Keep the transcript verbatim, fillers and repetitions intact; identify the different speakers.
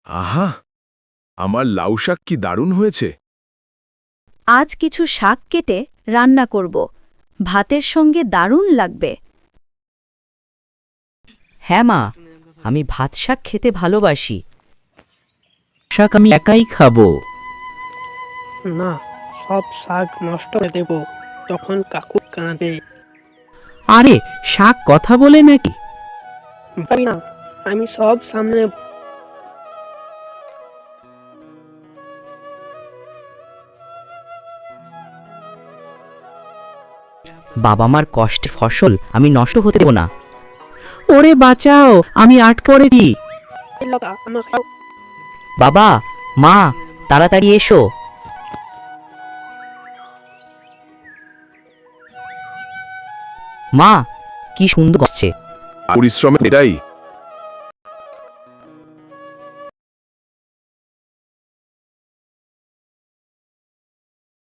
Speaker 1: আহা, আমার লাউ শাক কি দারুণ হয়েছে।
Speaker 2: আজ কিছু শাক কেটে রান্না করব, ভাতের সঙ্গে দারুণ লাগবে।
Speaker 3: হ্যাঁ মা, আমি ভাত শাক খেতে ভালোবাসি।
Speaker 4: শাক আমি একাই খাবো।
Speaker 5: না, সব শাক নষ্ট করে দেব, তখন কাকু কাঁদে।
Speaker 4: আরে শাক কথা বলে নাকি?
Speaker 5: পারি না, আমি সব সামনে।
Speaker 3: বাবা মার কষ্টের ফসল আমি নষ্ট হতে দেব না।
Speaker 4: ওরে বাঁচাও, আমি আট করে দিই।
Speaker 5: আমার খাও।
Speaker 3: বাবা, মা, তাড়াতাড়ি এসো। মা, কি সুন্দর হচ্ছে।
Speaker 1: পরিশ্রম এটাই।